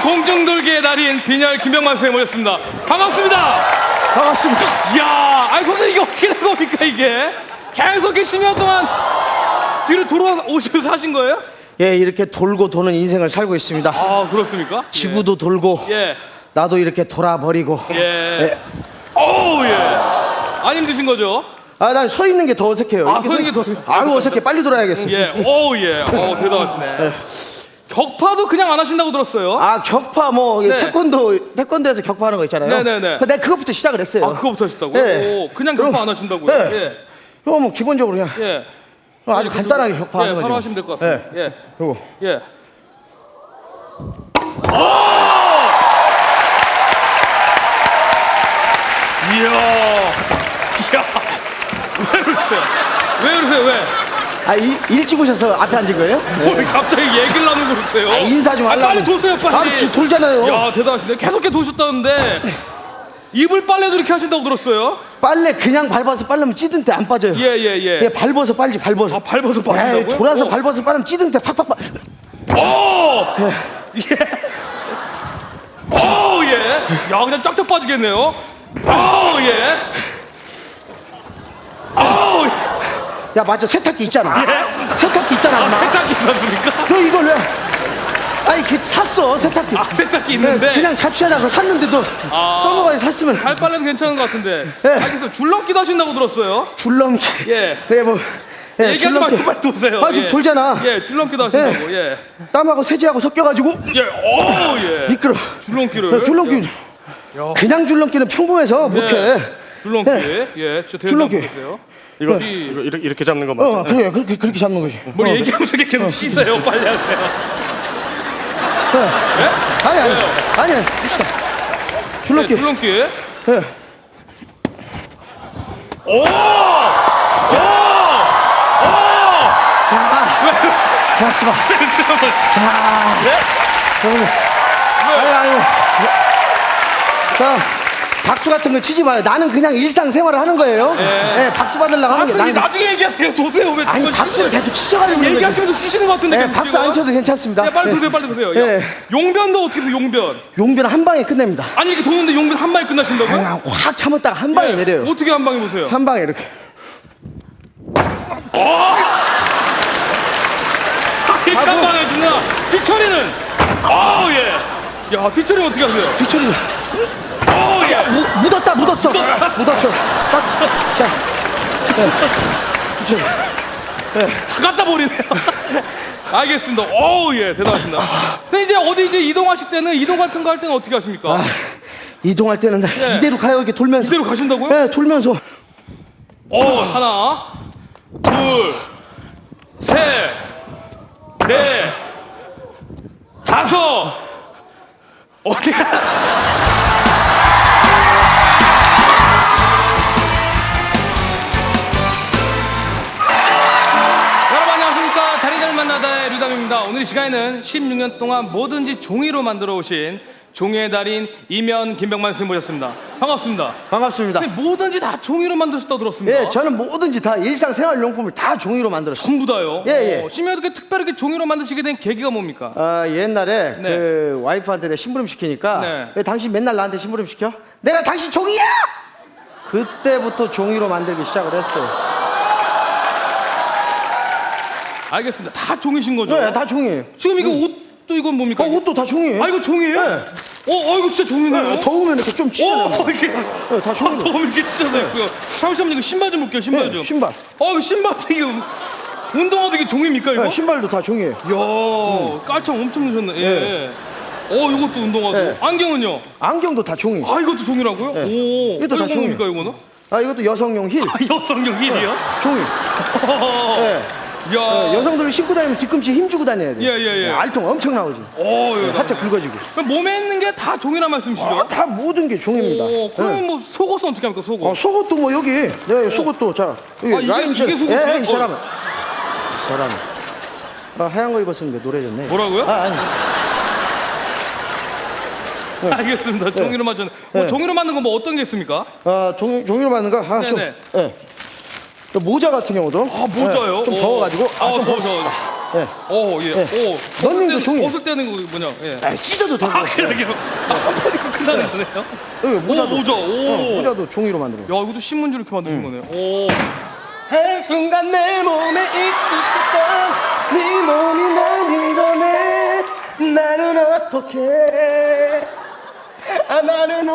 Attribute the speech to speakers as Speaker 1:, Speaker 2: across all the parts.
Speaker 1: 공중돌기의 달인 빈혈 김병만 선생님 모셨습니다. 반갑습니다.
Speaker 2: 반갑습니다.
Speaker 1: 이야, 아니 선생님 이게 어떻게 된 겁니까 이게? 계속 이렇게 10년 동안 뒤로 돌아오시면서 하신 거예요?
Speaker 2: 예, 이렇게 돌고 도는 인생을 살고 있습니다.
Speaker 1: 아, 그렇습니까?
Speaker 2: 지구도 돌고
Speaker 1: 예.
Speaker 2: 나도 이렇게 돌아버리고.
Speaker 1: 예. 어우, 예. 안 힘드신 거죠?
Speaker 2: 아, 난 서 있는 게 더 어색해요.
Speaker 1: 아,
Speaker 2: 이렇게
Speaker 1: 서 있는 게 더
Speaker 2: 아유, 어색해. 빨리 돌아야겠어.
Speaker 1: 예. 어우, 예. 어우, 대단하시네. 격파도 그냥 안 하신다고 들었어요.
Speaker 2: 아, 격파 뭐
Speaker 1: 네.
Speaker 2: 태권도에서 격파하는 거 있잖아요.
Speaker 1: 네네네.
Speaker 2: 내가 그것부터 시작을 했어요.
Speaker 1: 아, 그거부터 하셨다고요?
Speaker 2: 예.
Speaker 1: 오, 그냥 격파 안 하신다고요?
Speaker 2: 예.
Speaker 1: 예.
Speaker 2: 이거 뭐 기본적으로 그냥
Speaker 1: 예.
Speaker 2: 아주 간단하게 격파하는
Speaker 1: 예,
Speaker 2: 거죠.
Speaker 1: 바로 하시면 될 것 같습니다. 예.
Speaker 2: 요거.
Speaker 1: 예. 이야. 이야. 왜 그러세요? 왜 그러세요? 왜?
Speaker 2: 아, 일찍 오셔서 앞에 앉은 거예요?
Speaker 1: 뭘 갑자기 얘기를 나누고 그러세요?
Speaker 2: 아, 인사 좀 하려고.
Speaker 1: 빨리 도세요, 빨리.
Speaker 2: 아, 돌잖아요.
Speaker 1: 야, 대단하시네. 계속 이렇게 도셨다는데 이불 빨래도 이렇게 하신다고 들었어요?
Speaker 2: 빨래 그냥 밟아서 빨르면 찌든 때 안 빠져요.
Speaker 1: 예.
Speaker 2: 밟아서 빨리 밟아서.
Speaker 1: 아, 밟아서 빠진다고요?
Speaker 2: 에이, 돌아서 밟아서 빠르면 찌든 때 팍팍 빠.
Speaker 1: 오! 예. 오, 예. 야, 그냥 쫙쫙 빠지겠네요. 오, 예. 오,
Speaker 2: 야, 맞아. 세탁기 있잖아.
Speaker 1: 예?
Speaker 2: 세탁기 있잖아. 엄마.
Speaker 1: 세탁기 있었습니까?
Speaker 2: 너 이걸 왜? 아니, 그 샀어 세탁기.
Speaker 1: 아, 세탁기 있는데.
Speaker 2: 그냥 자취하다가 샀는데도 써먹어야 샀으면.
Speaker 1: 발 빨래는 괜찮은 것 같은데.
Speaker 2: 예.
Speaker 1: 알겠어요. 줄넘기도 하신다고 들었어요.
Speaker 2: 줄넘기.
Speaker 1: 예.
Speaker 2: 네, 뭐. 예,
Speaker 1: 얘기하지 말고 빨리 도세요.
Speaker 2: 아, 지금 돌잖아.
Speaker 1: 예, 줄넘기도 하신다고. 예.
Speaker 2: 땀하고 세제하고 섞여가지고
Speaker 1: 예. 오, 예.
Speaker 2: 미끄러.
Speaker 1: 줄넘기를.
Speaker 2: 줄넘기. 그냥 줄넘기는 평범해서 못해.
Speaker 1: 줄넘기. 예. 저
Speaker 2: 줄넘기.
Speaker 1: 보세요.
Speaker 3: 이거 이렇게 잡는 거 맞죠?
Speaker 2: 그래, 그렇게 잡는 거지.
Speaker 1: 뭘 얘기하면서 이렇게 계속 씻어요. 빨리 하세요. 예?
Speaker 2: 아니, 봅시다. 줄넘기.
Speaker 1: 예, 줄넘기.
Speaker 2: 예.
Speaker 1: 오!
Speaker 2: 자, 쓰봐. 자, 여러분. 아니. 자, 박수 같은 거 치지 마요. 나는 그냥 일상생활을 하는 거예요. 예, 박수 받으려고 하는 게.
Speaker 1: 박수 나중에 얘기하세요. 계속 도세요. 왜
Speaker 2: 아니,
Speaker 1: 그걸
Speaker 2: 박수를
Speaker 1: 씻어요?
Speaker 2: 계속 치셔가지고. 그런 거지.
Speaker 1: 얘기하시면서 쉬시는 것 같은데.
Speaker 2: 예,
Speaker 1: 계속
Speaker 2: 박수
Speaker 1: 지금.
Speaker 2: 안 쳐도 괜찮습니다.
Speaker 1: 야, 빨리
Speaker 2: 예.
Speaker 1: 도세요. 빨리 도세요.
Speaker 2: 예.
Speaker 1: 야, 용변도 어떻게 보세요? 용변.
Speaker 2: 용변 한 방에 끝냅니다.
Speaker 1: 아니 이렇게 도는데 용변 한 방에 끝나신다고요?
Speaker 2: 그냥 확 참았다가 한 방에
Speaker 1: 예.
Speaker 2: 내려요.
Speaker 1: 어떻게 한 방에 보세요?
Speaker 2: 한 방에 이렇게.
Speaker 1: 이렇게 한 방에 주나? 뒤처리는? 아 예. 야, 뒤처리 어떻게 하세요?
Speaker 2: 뒤처리.
Speaker 1: 어, 예.
Speaker 2: 묻었어. 묻었어. 자. 뒤처리.
Speaker 1: 다 갖다 버리네요. 알겠습니다. 어우, 예, 대단하십니다. 선생님, 이제 어디 이제 이동하실 때는 이동 같은 거 할 때는 어떻게 하십니까?
Speaker 2: 이동할 때는 이대로 가요. 이렇게 돌면서.
Speaker 1: 이대로 가신다고요?
Speaker 2: 네, 돌면서.
Speaker 1: 하나, 둘, 셋, 넷, 다섯. 어디가? 여러분 안녕하십니까. 달인을 만나다의 류담입니다. 오늘 이 시간에는 16년 동안 뭐든지 종이로 만들어 오신 종이의 달인 이면 김병만 선생님 모셨습니다. 반갑습니다.
Speaker 2: 반갑습니다.
Speaker 1: 선생님, 뭐든지 다 종이로 만드셨다고 들었습니다.
Speaker 2: 예, 저는 뭐든지 다 일상생활용품을 다 종이로 만들었어요.
Speaker 1: 전부 다요?
Speaker 2: 예.
Speaker 1: 심지어 이렇게 특별하게 종이로 만드시게 된 계기가 뭡니까?
Speaker 2: 옛날에
Speaker 1: 네.
Speaker 2: 그 와이프한테 내가 심부름 시키니까
Speaker 1: 네.
Speaker 2: 왜 당신 맨날 나한테 심부름 시켜? 내가 당신 종이야! 그때부터 종이로 만들기 시작을 했어요.
Speaker 1: 알겠습니다. 다 종이신 거죠?
Speaker 2: 네, 다 종이에요.
Speaker 1: 지금 이거 옷도 이건 뭡니까?
Speaker 2: 옷도 다 종이에요.
Speaker 1: 아, 이거 종이에요?
Speaker 2: 네.
Speaker 1: 이거 진짜 종이네요?
Speaker 2: 더우면 이렇게 좀 찢어내요.
Speaker 1: 이렇게
Speaker 2: 다 종이로.
Speaker 1: 더우면 이렇게 찢어져 있고요. 잠시만요. 이거 신발 좀 볼게요. 신발
Speaker 2: 네,
Speaker 1: 좀.
Speaker 2: 신발.
Speaker 1: 이거 신발도 이게 운동화도 이게 종입니까 이거?
Speaker 2: 네, 신발도 다 종이에요.
Speaker 1: 이야, 깔창 엄청 넣으셨네. 예. 이것도 운동화도.
Speaker 2: 네.
Speaker 1: 안경은요?
Speaker 2: 안경도 다 종이.
Speaker 1: 아, 이것도 종이라고요?
Speaker 2: 네.
Speaker 1: 오.
Speaker 2: 이것도 다
Speaker 1: 이거
Speaker 2: 종이에요.
Speaker 1: 뭡니까 이거는?
Speaker 2: 이것도 여성용 힐.
Speaker 1: 여성용 힐이요?
Speaker 2: 종이. 네.
Speaker 1: 야.
Speaker 2: 여성들이 신고 다니면 뒤꿈치에 힘 주고 다녀야 돼.
Speaker 1: 예.
Speaker 2: 알통 엄청 나오지.
Speaker 1: 예.
Speaker 2: 하체 굵어지고.
Speaker 1: 그럼 몸에 있는 게 다 종이란 말씀이시죠?
Speaker 2: 다 모든 게 종입니다.
Speaker 1: 그러면
Speaker 2: 네.
Speaker 1: 뭐 속옷은 어떻게 합니까? 속옷.
Speaker 2: 속옷도 뭐 여기. 네, 속옷도 자 여기 라인
Speaker 1: 이게 속옷이에요?
Speaker 2: 이 사람은. 하얀 거 입었으니까 노래졌네.
Speaker 1: 뭐라고요?
Speaker 2: 아니.
Speaker 1: 알겠습니다. 종이로 만든. 종이로 만든 거 뭐 어떤 게 있습니까?
Speaker 2: 종이로 만든 거
Speaker 1: 네네.
Speaker 2: 모자 같은 경우도
Speaker 1: 모자요?
Speaker 2: 좀 더워가지고
Speaker 1: 더워.
Speaker 2: 예.
Speaker 1: 오, 예.
Speaker 2: 네.
Speaker 1: 오.
Speaker 2: 런닝도 종이.
Speaker 1: 벗을 때는 거 뭐냐? 예.
Speaker 2: 아, 찢어도 되고.
Speaker 1: 아, 이렇게 한번 입고 끝나는 거네요.
Speaker 2: 여기 모자도.
Speaker 1: 오, 모자. 오.
Speaker 2: 모자도 종이로 만들어.
Speaker 1: 야, 이것도 신문지로 이렇게 만드신 거네. 오.
Speaker 2: 한순간 내 몸에 익숙했던 네 몸이 날 믿어내. 나는 어떡해. 아, 나는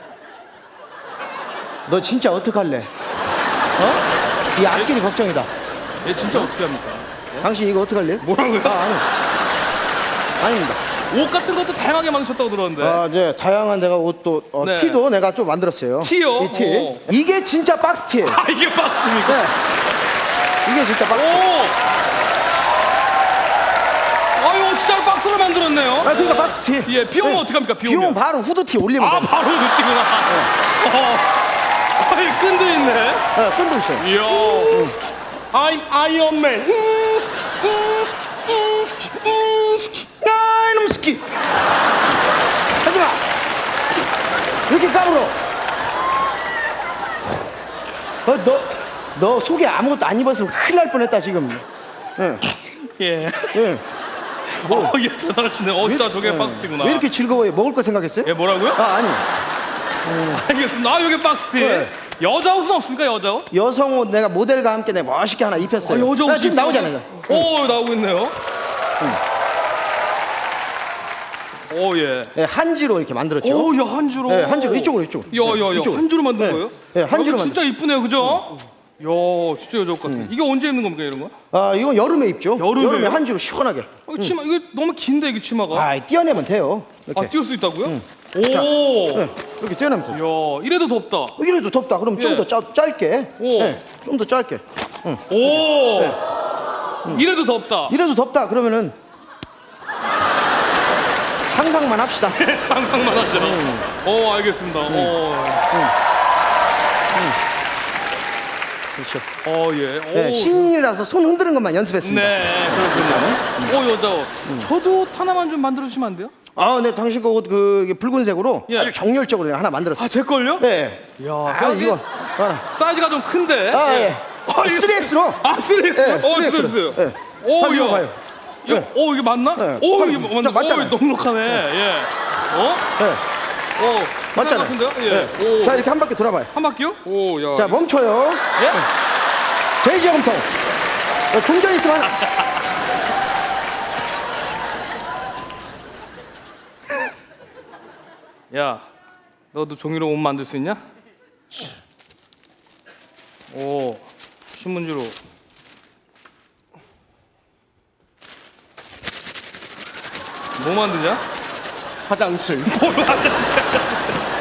Speaker 2: 너 진짜 어떡할래? 어? 이 앞길이 걱정이다.
Speaker 1: 얘 진짜 어떻게 합니까?
Speaker 2: 당신 이거 어떡할래?
Speaker 1: 뭐라고요?
Speaker 2: 아닙니다.
Speaker 1: 옷 같은 것도 다양하게 만드셨다고 들었는데.
Speaker 2: 아, 네, 다양한 제가 옷도
Speaker 1: 네.
Speaker 2: 티도 내가 좀 만들었어요.
Speaker 1: 티요?
Speaker 2: 이 티.
Speaker 1: 오.
Speaker 2: 이게 진짜 박스 티예요.
Speaker 1: 아, 이게 박스입니까?
Speaker 2: 네. 이게 진짜 박스. 티.
Speaker 1: 오. 아유, 진짜 박스로 만들었네요.
Speaker 2: 아, 그러니까 박스 티.
Speaker 1: 예, 비 오면
Speaker 2: 네.
Speaker 1: 어떡합니까? 비
Speaker 2: 비 오면
Speaker 1: 오면.
Speaker 2: 바로 후드 티 올리면
Speaker 1: 아,
Speaker 2: 돼.
Speaker 1: 바로 느끼구나. 아이, 끈도 있네.
Speaker 2: 네, 끈도 있어요.
Speaker 1: 이야.
Speaker 3: I'm 아이언맨.
Speaker 2: 야, 이놈 스키. 하지 마. 왜 이렇게 까불어? 너 속에 아무것도 안 입었으면 큰일 날 뻔했다 지금.
Speaker 1: 예.
Speaker 2: 예.
Speaker 1: 어, 예, 대단하시네. 진짜 저게 박스티구나.
Speaker 2: 왜 이렇게 즐거워해? 먹을 거 생각했어요?
Speaker 1: 예, 뭐라고요?
Speaker 2: 아, 아니.
Speaker 1: 알겠습니다. 아, 여기 박스티.
Speaker 2: 네.
Speaker 1: 여자 옷은 없습니까, 여자 옷?
Speaker 2: 여성 옷 내가 모델과 함께 내가 멋있게 하나 입혔어요.
Speaker 1: 아, 여자 옷
Speaker 2: 지금 나오잖아요.
Speaker 1: 오, 나오고 있네요. 오, 예.
Speaker 2: 네, 한지로 이렇게 만들었죠.
Speaker 1: 오, 야, 한주로.
Speaker 2: 네, 한지로 이쪽으로.
Speaker 1: 야,
Speaker 2: 이쪽으로.
Speaker 1: 한주로 만든
Speaker 2: 네.
Speaker 1: 거예요?
Speaker 2: 네, 한주로
Speaker 1: 야, 진짜 이쁘네요, 그죠? 야, 진짜 여자 옷 같아. 이게 언제 입는 겁니까, 이런 거?
Speaker 2: 아, 이건 여름에 입죠.
Speaker 1: 여름에요?
Speaker 2: 여름에 한지로 시원하게.
Speaker 1: 치마, 이거 너무 긴데, 이게 치마가.
Speaker 2: 아, 띄어내면 돼요. 이렇게.
Speaker 1: 아, 띄울 수 있다고요? 오!
Speaker 2: 네, 이렇게 띄어내면 돼요.
Speaker 1: 야, 이래도 덥다.
Speaker 2: 이래도 덥다. 그럼 좀
Speaker 1: 예.
Speaker 2: 더 짧게.
Speaker 1: 오.
Speaker 2: 네, 좀 더 짧게.
Speaker 1: 오! 이래도 덥다.
Speaker 2: 이래도 덥다. 그러면은 상상만 합시다.
Speaker 1: 상상만 하죠. 오, 알겠습니다.
Speaker 2: 그렇죠.
Speaker 1: 예.
Speaker 2: 네,
Speaker 1: 오.
Speaker 2: 신인이라서 손 흔드는 것만 연습했습니다.
Speaker 1: 네, 그렇군요. 오, 여자 옷. 저도 옷 하나만 좀 만들어주시면 안 돼요?
Speaker 2: 아, 네, 당신 거 옷 이게 붉은색으로
Speaker 1: 예.
Speaker 2: 아주 정열적으로 하나 만들었어요.
Speaker 1: 아, 제 걸요?
Speaker 2: 네.
Speaker 1: 야,
Speaker 2: 아,
Speaker 1: 제가
Speaker 2: 이거.
Speaker 1: 사이즈가 좀 큰데.
Speaker 2: 아, 예.
Speaker 1: 아, 이거
Speaker 2: 3X로.
Speaker 1: 아, 3X?
Speaker 2: 네, 3X 로.
Speaker 1: 주세요.
Speaker 2: 네.
Speaker 1: 오,
Speaker 2: 자, 이거
Speaker 1: 야.
Speaker 2: 봐요.
Speaker 1: 이거, 이게 맞나?
Speaker 2: 네.
Speaker 1: 오,
Speaker 2: 봐요.
Speaker 1: 이게 맞나?
Speaker 2: 자, 맞잖아요.
Speaker 1: 오, 넉넉하네. 예.
Speaker 2: 네.
Speaker 1: 맞잖아.
Speaker 2: 맞잖아요.
Speaker 1: 같은데요? 예.
Speaker 2: 네.
Speaker 1: 오.
Speaker 2: 자, 이렇게 한 바퀴 돌아봐요.
Speaker 1: 한 바퀴요? 오, 야.
Speaker 2: 자, 멈춰요.
Speaker 1: 예?
Speaker 2: 돼지 염통. 동전 있으면
Speaker 1: 야, 너도 종이로 옷 만들 수 있냐? 오, 신문지로. 뭐 만드냐?
Speaker 3: 화장실.
Speaker 1: 뭘 화장실?